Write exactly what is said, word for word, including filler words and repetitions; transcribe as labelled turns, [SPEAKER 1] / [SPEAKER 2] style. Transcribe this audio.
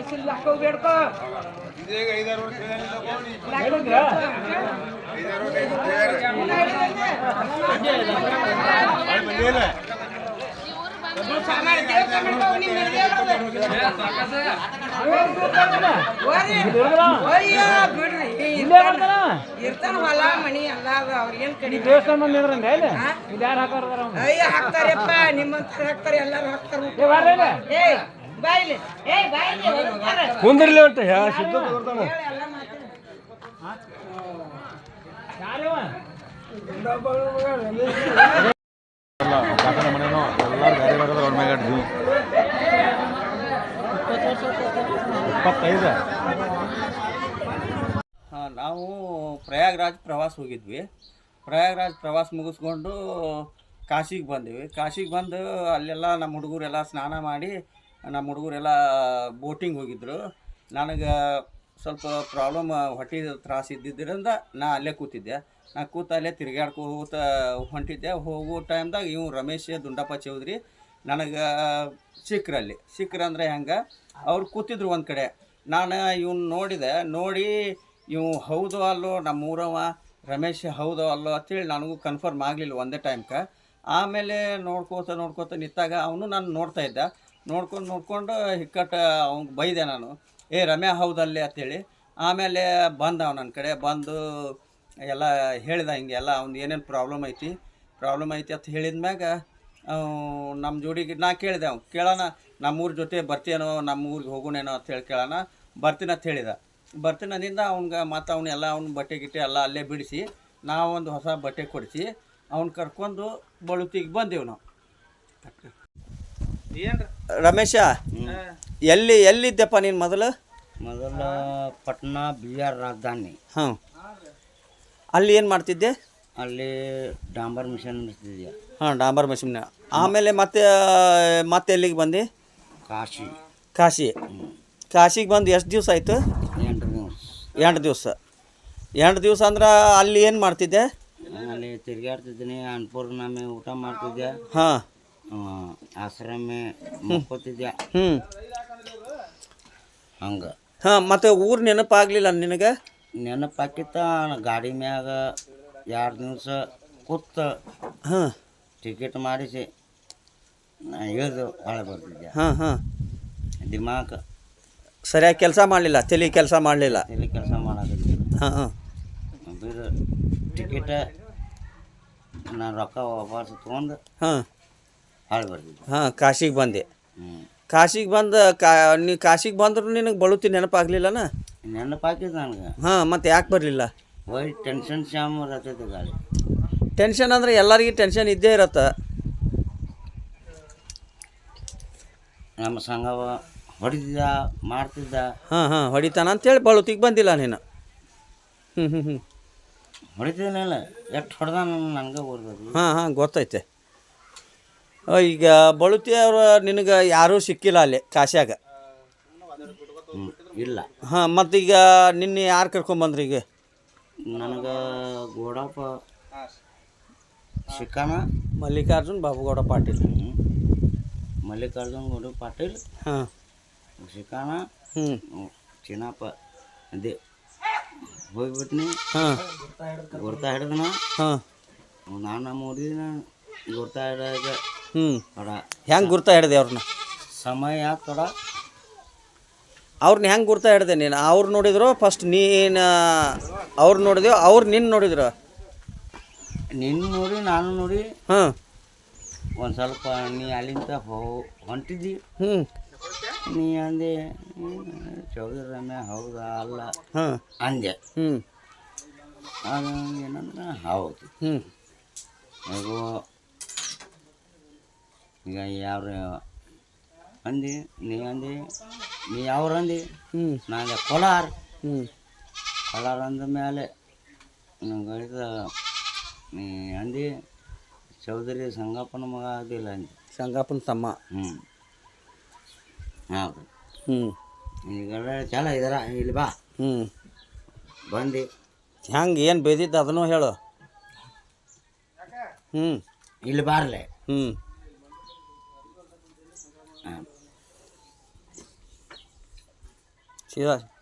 [SPEAKER 1] ಇರ್ತಾನ ಹೊಲ ಮನಿ ಎಲ್ಲ ಅವ್ರಿಗೇನ್ ಕಡಿ
[SPEAKER 2] ದೇವಸ್ಥಾನ ಬಂದಿದ್ರಂದ ಯಾರು ಹಾಕೋರ
[SPEAKER 1] ಅಯ್ಯ ಹಾಕ್ತಾರಪ್ಪ ನಿಮ್ಮಂತ ಹಾಕ್ತಾರೆ ಎಲ್ಲಾರು ಹಾಕ್ತಾರ ಏ ಬಾಯ್ಲಿ ಏ ಬಾಯ್ಲಿ
[SPEAKER 2] ಕುಂದ್ರಲಿ ಅಂತ ಸಿದ್ಧ
[SPEAKER 3] ಕಾಕನ ಮನೆನೋ ಎಲ್ಲರೂ ಗಾಡಿ ಬರೋದು ಅವ್ರ ಮ್ಯಾಗ ಜೀವ ಇಪ್ಪತ್ತೈದು.
[SPEAKER 4] ಹಾಂ ನಾವು ಪ್ರಯಾಗ್ರಾಜ್ ಪ್ರವಾಸ ಹೋಗಿದ್ವಿ. ಪ್ರಯಾಗ್ರಾಜ್ ಪ್ರವಾಸ ಮುಗಿಸ್ಕೊಂಡು ಕಾಶಿಗೆ ಬಂದೀವಿ. ಕಾಶಿಗೆ ಬಂದು ಅಲ್ಲೆಲ್ಲ ನಮ್ಮ ಹುಡುಗರೆಲ್ಲ ಸ್ನಾನ ಮಾಡಿ ನಮ್ಮ ಹುಡುಗರೆಲ್ಲ ಬೋಟಿಂಗ್ ಹೋಗಿದ್ದರು. ನನಗೆ ಸ್ವಲ್ಪ ಪ್ರಾಬ್ಲಮ್ ಹೊಟ್ಟೆ ತ್ರಾಸ ಇದ್ದಿದ್ದರಿಂದ ನಾ ಅಲ್ಲೇ ಕೂತಿದ್ದೆ. ನಾ ಕೂತ ಅಲ್ಲೇ ತಿರುಗಾಡ್ಕೋತ ಹೊಂಟಿದ್ದೆ. ಹೋಗೋ ಟೈಮ್ದಾಗ ಇವು ರಮೇಶ್ ದುಂಡಪ್ಪ ಚೌಧರಿ ನನಗೆ ಸಿಕ್ರಲ್ಲಿ ಸಿಕ್ಕ್ರು ಅಂದರೆ ಹೆಂಗೆ ಅವ್ರು ಕೂತಿದ್ರು ಒಂದು ಕಡೆ. ನಾನು ಇವ್ನು ನೋಡಿದೆ. ನೋಡಿ ಇವು ಹೌದು ಅಲ್ಲೋ ನಮ್ಮೂರವ ರಮೇಶ್ ಹೌದೋ ಅಲ್ಲೋ ಅಂತೇಳಿ ನನಗೂ ಕನ್ಫರ್ಮ್ ಆಗಲಿಲ್ಲ ಒಂದೇ ಟೈಮ್ಗೆ. ಆಮೇಲೆ ನೋಡ್ಕೋತ ನೋಡ್ಕೋತ ನಿಂತಾಗ ಅವನು ನಾನು ನೋಡ್ತಾ ಇದ್ದ. ನೋಡ್ಕೊಂಡು ನೋಡ್ಕೊಂಡು ಹಿಕ್ಕಟ್ಟು ಅವ್ನಿಗೆ ಬೈದೆ ನಾನು, ಏ ರಮ್ಯಾ ಹೌದಲ್ಲೇ ಅಂತೇಳಿ. ಆಮೇಲೆ ಬಂದ ಅವ ನನ್ನ ಕಡೆ ಬಂದು ಎಲ್ಲ ಹೇಳಿದ ಹಿಂಗೆ ಎಲ್ಲ ಅವ್ನು ಏನೇನು ಪ್ರಾಬ್ಲಮ್ ಐತಿ ಪ್ರಾಬ್ಲಮ್ ಐತಿ ಅಂತ ಹೇಳಿದ ಮ್ಯಾಗ ನಮ್ಮ ಜೋಡಿಗೆ ನಾ ಕೇಳಿದೆ. ಅವ್ನು ಕೇಳೋಣ ನಮ್ಮೂರ ಜೊತೆ ಬರ್ತೀನೋ ನಮ್ಮ ಊರಿಗೆ ಹೋಗೋಣೇನೋ ಅಂತೇಳಿ ಕೇಳೋಣ. ಬರ್ತೀನಿ ಅಂತ ಹೇಳಿದ. ಬರ್ತೀನಿ ಅಂದಿಂದ ಅವ್ನಿಗೆ ಮತ್ತು ಅವನ್ನೆಲ್ಲ ಅವ್ನ ಬಟ್ಟೆ ಗಿಟ್ಟೆ ಎಲ್ಲ ಅಲ್ಲೇ ಬಿಡಿಸಿ ನಾವೊಂದು ಹೊಸ ಬಟ್ಟೆ ಕೊಡಿಸಿ ಅವ್ನು ಕರ್ಕೊಂಡು ಬಳುತಿಗೆ ಬಂದೆವು ನಾವು. ರಮೇಶ, ಎಲ್ಲಿ ಎಲ್ಲಿದ್ದೆಪ್ಪ ನೀನು ಮೊದಲು?
[SPEAKER 5] ಮೊದಲು ಪಟ್ನಾ ಬಿಹಾರ್ ರಾಜಧಾನಿ.
[SPEAKER 4] ಹಾಂ, ಅಲ್ಲಿ ಏನು ಮಾಡ್ತಿದ್ದೆ?
[SPEAKER 5] ಅಲ್ಲಿ ಡಾಂಬರ್ ಮಿಷನ್ ನಡೆಸ್ತಿದ್ದೆ.
[SPEAKER 4] ಹಾಂ, ಡಾಂಬರ್ ಮಿಷನ್. ಆಮೇಲೆ ಮತ್ತೆ ಮತ್ತೆ ಎಲ್ಲಿಗೆ ಬಂದು?
[SPEAKER 5] ಕಾಶಿ.
[SPEAKER 4] ಕಾಶಿ ಕಾಶಿಗೆ ಬಂದು ಎಷ್ಟು ದಿವಸ ಆಯಿತು?
[SPEAKER 5] ಎಂಟು ದಿವಸ.
[SPEAKER 4] ಎಂಟು ದಿವಸ ಎಂಟು ದಿವಸ ಅಂದ್ರೆ ಅಲ್ಲಿ ಏನು ಮಾಡ್ತಿದ್ದೆ?
[SPEAKER 5] ಅಲ್ಲಿ ತಿರುಗಾಡ್ತಿದ್ದೀನಿ. ಅನ್ನಪೂರ್ಣಮೆ ಊಟ ಮಾಡ್ತಿದ್ದೆ.
[SPEAKER 4] ಹಾಂ,
[SPEAKER 5] ಆಶ್ರಮೆ ಮುಕ್ಕೋತಿದ್ದೆ.
[SPEAKER 4] ಹ್ಞೂ,
[SPEAKER 5] ಹಂಗೆ.
[SPEAKER 4] ಹಾಂ, ಮತ್ತು ಊರು ನೆನಪಾಗಲಿಲ್ಲ ನಿನಗೆ?
[SPEAKER 5] ನೆನಪಾಕಿತ್ತ ಗಾಡಿ ಮ್ಯಾಗ ಎರಡು ದಿವಸ ಕೂತ
[SPEAKER 4] ಹಾಂ,
[SPEAKER 5] ಟಿಕೆಟ್ ಮಾಡಿಸಿ ಇಳಿದು ಹೊಳೆ ಬರ್ತಿದ್ದೆ.
[SPEAKER 4] ಹಾಂ ಹಾಂ
[SPEAKER 5] ದಿಮಾಕ್
[SPEAKER 4] ಸರಿಯಾಗಿ ಕೆಲಸ ಮಾಡಲಿಲ್ಲ, ತಲೆ ಕೆಲಸ ಮಾಡಲಿಲ್ಲ.
[SPEAKER 5] ಇಲ್ಲಿ ಕೆಲಸ ಮಾಡೋದಿಲ್ಲ.
[SPEAKER 4] ಹಾಂ ಹಾಂ
[SPEAKER 5] ಬೇರೆ ಟಿಕೆಟ ನಾನು ರೊಕ್ಕ ವಾಪಸ್ ತೊಗೊಂಡು
[SPEAKER 4] ಹಾಂ
[SPEAKER 5] ಹೊಳೆ ಬರ್ತಿದ್ದೆ.
[SPEAKER 4] ಹಾಂ ಕಾಶಿಗೆ ಬಂದೆ.
[SPEAKER 5] ಹ್ಞೂ,
[SPEAKER 4] ಕಾಶಿಗೆ ಬಂದು ಕಾ ನೀ ಕಾಶಿಗೆ ಬಂದ್ರು ನಿನಗೆ ಬಳುತಿ ನೆನಪಾಗಲಿಲ್ಲನ?
[SPEAKER 5] ನೆನಪಾಕಿದ್ದು ನನಗೆ.
[SPEAKER 4] ಹಾಂ, ಮತ್ತು ಯಾಕೆ ಬರಲಿಲ್ಲ?
[SPEAKER 5] ಒಯ್ ಟೆನ್ಷನ್ ಶಾಮ್ ಇರತ್ತೈತೆ ಗಾಡಿ.
[SPEAKER 4] ಟೆನ್ಷನ್ ಅಂದರೆ ಎಲ್ಲರಿಗೂ ಟೆನ್ಷನ್ ಇದ್ದೇ ಇರತ್ತೆ.
[SPEAKER 5] ನಮ್ಮ ಸಂಘವ ಹೊಡಿತಿದ್ದ ಮಾಡ್ತಿದ್ದ.
[SPEAKER 4] ಹಾಂ ಹಾಂ ಹೊಡಿತಾನ ಅಂತೇಳಿ ಬಳುತಿಗೆ ಬಂದಿಲ್ಲ ನೀನು? ಹ್ಞೂ ಹ್ಞೂ ಹ್ಞೂ
[SPEAKER 5] ಹೊಡಿತಿದ್ದಿಲ್ಲ. ಎಷ್ಟು ಹೊಡೆದ ನನಗೆ ಓದ್ಬೇಕು.
[SPEAKER 4] ಹಾಂ ಹಾಂ ಗೊತ್ತೈತೆ. ಈಗ ಬಳುತಿ ಅವರು ನಿನಗೆ ಯಾರೂ ಸಿಕ್ಕಿಲ್ಲ ಅಲ್ಲಿ ಕಾಶ್ಯಾಗ?
[SPEAKER 5] ಹ್ಞೂ, ಇಲ್ಲ.
[SPEAKER 4] ಹಾಂ, ಮತ್ತೀಗ ನಿನ್ನೆ ಯಾರು ಕರ್ಕೊಂಬಂದ್ರಿ? ಈಗ
[SPEAKER 5] ನನಗೆ ಗೋಡಪ್ಪ ಶಿಕಾನ,
[SPEAKER 4] ಮಲ್ಲಿಕಾರ್ಜುನ್ ಬಾಬುಗೌಡ ಪಾಟೀಲ್.
[SPEAKER 5] ಹ್ಞೂ, ಮಲ್ಲಿಕಾರ್ಜುನ್ ಗೌಡ ಪಾಟೀಲ್,
[SPEAKER 4] ಹಾಂ,
[SPEAKER 5] ಶಿಕಾನ,
[SPEAKER 4] ಹ್ಞೂ,
[SPEAKER 5] ಚಿನ್ನಪ್ಪ ಅದೇ ಹೋಗ್ಬಿಟ್ನಿ.
[SPEAKER 4] ಹಾಂ,
[SPEAKER 5] ಗುರ್ತಾ ಹಿಡಿದನ.
[SPEAKER 4] ಹಾಂ,
[SPEAKER 5] ನಾನು ಮೂಡಿನ ಗುರ್ತಾ ಹಿಡಿದಾಗ
[SPEAKER 4] ಹ್ಞೂ.
[SPEAKER 5] ಥೋಡ
[SPEAKER 4] ಹೆಂಗೆ ಗುರ್ತಾ ಹಿಡ್ದೆ ಅವ್ರನ್ನ?
[SPEAKER 5] ಸಮಯ ಥೋಡ
[SPEAKER 4] ಅವ್ರನ್ನ ಹೆಂಗೆ ಗುರ್ತಾ ಹಿಡ್ದೆ ನೀನು? ಅವ್ರು ನೋಡಿದ್ರು ಫಸ್ಟ್ ನೀನು ಅವ್ರು ನೋಡಿದೆವು, ಅವ್ರು ನಿನ್ನ ನೋಡಿದ್ರು?
[SPEAKER 5] ನಿನ್ನ ನೋಡಿ ನಾನು ನೋಡಿ.
[SPEAKER 4] ಹಾಂ,
[SPEAKER 5] ಒಂದು ಸ್ವಲ್ಪ ನೀ ಅಲ್ಲಿಂದ ಹೋ ಹೊಂಟಿದ್ದಿ.
[SPEAKER 4] ಹ್ಞೂ,
[SPEAKER 5] ನೀ ಅಂದೆ ಚೌಧರಿ ರಮ್ಯಾ ಹೌದಾ ಅಲ್ಲ
[SPEAKER 4] ಹಾಂ
[SPEAKER 5] ಅಂದೆ.
[SPEAKER 4] ಹ್ಞೂ,
[SPEAKER 5] ಅದು ಏನಂದ್ರೆ ಹೌದು.
[SPEAKER 4] ಹ್ಞೂ,
[SPEAKER 5] ಈಗ ಈಗ ಯಾವ್ರ ಅಂದಿ, ನೀ ಅಂದಿ, ನೀ ಯಾವ್ರು ಅಂದಿ?
[SPEAKER 4] ಹ್ಞೂ,
[SPEAKER 5] ನಾನು ಕೋಲಾರ.
[SPEAKER 4] ಹ್ಞೂ,
[SPEAKER 5] ಕೋಲಾರ ಅಂದ ಮೇಲೆ ಗಳಿದ ನೀ ಅಂದಿ ಚೌಧರಿ ಸಂಗಪ್ಪನ ಮಗ ಅದಿಲ್ಲ ಅಂದಿ.
[SPEAKER 4] ಸಂಗಪ್ಪನ ತಮ್ಮ.
[SPEAKER 5] ಹ್ಞೂ, ಹೌದು.
[SPEAKER 4] ಹ್ಞೂ,
[SPEAKER 5] ಈಗ ಚಲ ಇದಾರ ಇಲ್ಲಿ ಬಾ.
[SPEAKER 4] ಹ್ಞೂ,
[SPEAKER 5] ಬಂದು
[SPEAKER 4] ಹೆಂಗೆ ಏನು ಬೇದಿದ್ದು ಅದನ್ನು ಹೇಳು. ಹ್ಞೂ,
[SPEAKER 5] ಇಲ್ಲಿ ಬಾರ್ಲೆ.
[SPEAKER 4] ಹ್ಞೂ,
[SPEAKER 5] ಹಾಂ,
[SPEAKER 4] ಸೀದಾ